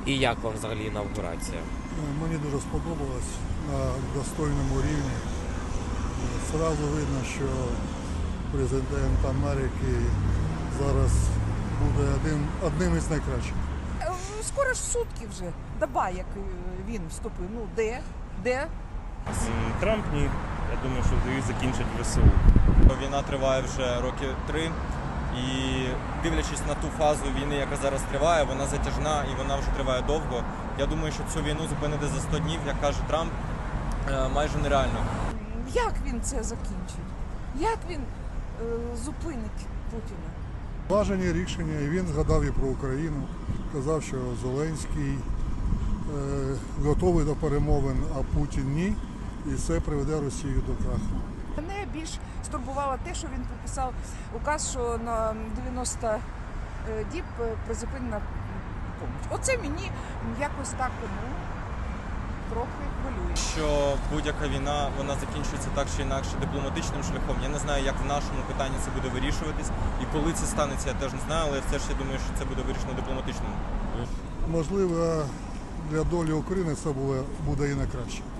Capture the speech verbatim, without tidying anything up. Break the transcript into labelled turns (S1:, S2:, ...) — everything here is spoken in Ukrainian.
S1: І як вам взагалі інавгурація?
S2: Мені дуже сподобалось на достойному рівні. Зразу видно, що президент Америки зараз буде один, одним із найкращих.
S3: Скоро ж сутки вже, доба, як він вступив. Ну, де? Де?
S4: Трамп ні. Я думаю, що їх закінчать в ВСУ.
S5: Війна триває вже років три. І дивлячись на ту фазу війни, яка зараз триває, вона затяжна і вона вже триває довго. Я думаю, що цю війну зупинити за сто днів, як каже Трамп, майже нереально.
S3: Як він це закінчить? Як він е, зупинить Путіна?
S2: Бажані рішення, і він згадав і про Україну. Казав, що Зеленський е, готовий до перемовин, а Путін ні. І це приведе Росію до краху.
S3: Мене більш стурбувало те, що він підписав указ, що на дев'яносто діб призупинена допомога. Оце мені якось так, ну, трохи хвилює.
S5: Що будь-яка війна, вона закінчується так чи інакше дипломатичним шляхом. Я не знаю, як в нашому питанні це буде вирішуватись. І коли це станеться, я теж не знаю, але все ж я думаю, що це буде вирішено дипломатичним.
S2: Можливо, для долі України це буде, буде і на краще.